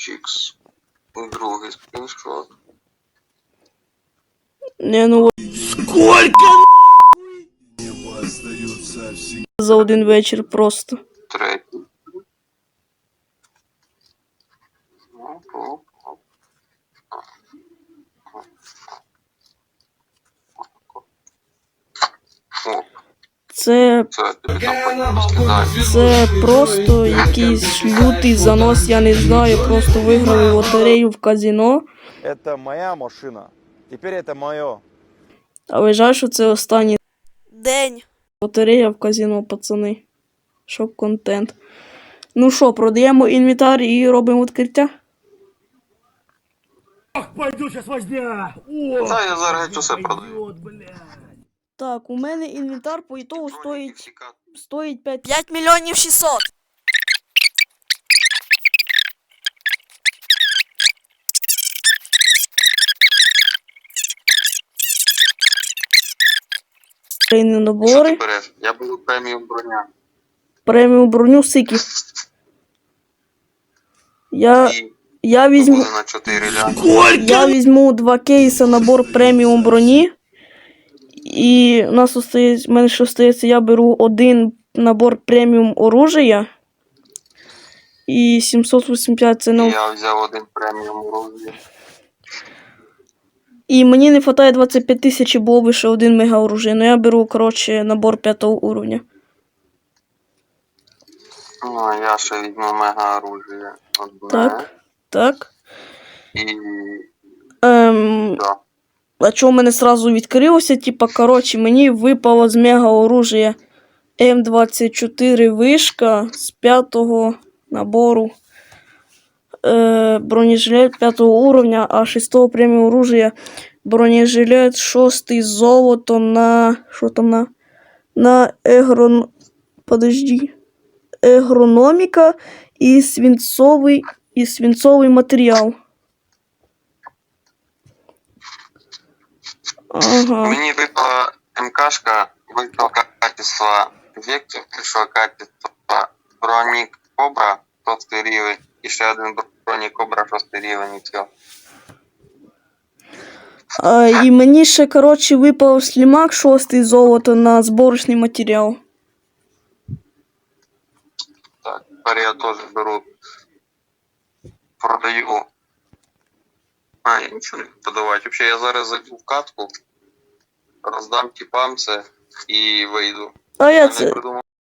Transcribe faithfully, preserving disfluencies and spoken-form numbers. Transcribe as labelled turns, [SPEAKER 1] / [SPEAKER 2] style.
[SPEAKER 1] Чікс. Другий скріншот.
[SPEAKER 2] Не, ну
[SPEAKER 3] Сколько
[SPEAKER 2] за один вечір просто.
[SPEAKER 1] Третій. Оп, оп, оп. Оп.
[SPEAKER 2] Це,
[SPEAKER 1] Це тобі там потім скидаю.
[SPEAKER 2] це просто якийсь лютий занос, я не знаю, просто виграли лотерею в казино.
[SPEAKER 3] Это моя машина. Теперь это мое.
[SPEAKER 2] А вважаю, що це останній
[SPEAKER 4] День.
[SPEAKER 2] лотерея в казино, пацани. Шок-контент. Ну що, продаємо інвентар і робимо відкриття?
[SPEAKER 5] Пойду сейчас возня!
[SPEAKER 1] Та я зараз геть усе продаю.
[SPEAKER 2] Так, у мене інвентар по ітогу стоїть, стоїть п'ять.
[SPEAKER 4] п'ять мільйонів шістсот.
[SPEAKER 2] Трейні
[SPEAKER 1] Що ти
[SPEAKER 2] набори.
[SPEAKER 1] береш? Я беру преміум броня.
[SPEAKER 2] Преміум броню сики. Я,
[SPEAKER 1] І
[SPEAKER 2] я візьму...
[SPEAKER 1] буде на чотири лями.
[SPEAKER 2] Я візьму два кейси набор преміум броні. І у нас остається, в мене ще остається, я беру один набор преміум оружия. І сімсот вісімдесят п'ять це ну.
[SPEAKER 1] Я взяв один преміум оружия.
[SPEAKER 2] І мені не вистачає двадцять п'ять тисяч, було б ще один мега оружия. Ну я беру, коротше, набор п'ятого уровня.
[SPEAKER 1] Ну, а я ще візьму мега оружия. Одне.
[SPEAKER 2] Так, так.
[SPEAKER 1] І...
[SPEAKER 2] Ем,
[SPEAKER 1] Да.
[SPEAKER 2] а чого в мене сразу відкрилося? Типа, коротше, мені випало з мега оружия М двадцять чотири вишка з п'ятого набору. Е, бронежилет п'ятого уровня, а шестого преміум оружия бронежилет шостий з золотом на... Що там на... На егрон... Подожди. Егрономіка і свинцовий, і свинцовий матеріал. Ага.
[SPEAKER 1] Мені випала МКшка, випало качество Вектор, прийшло качество Бронік Кобра, шостий рівень, і ще один Бронік Кобра, шостий рівень, і все.
[SPEAKER 2] А, і мені ще, коротше, випав слімак шостий золото на зборочний матеріал.
[SPEAKER 1] Так, тепер я теж беру, продаю. А, я нічого не буду подавати. Взагалі, я зараз зайду в катку, роздам тіпам це і вийду.
[SPEAKER 2] А я
[SPEAKER 1] Я не
[SPEAKER 2] це...
[SPEAKER 1] придумав.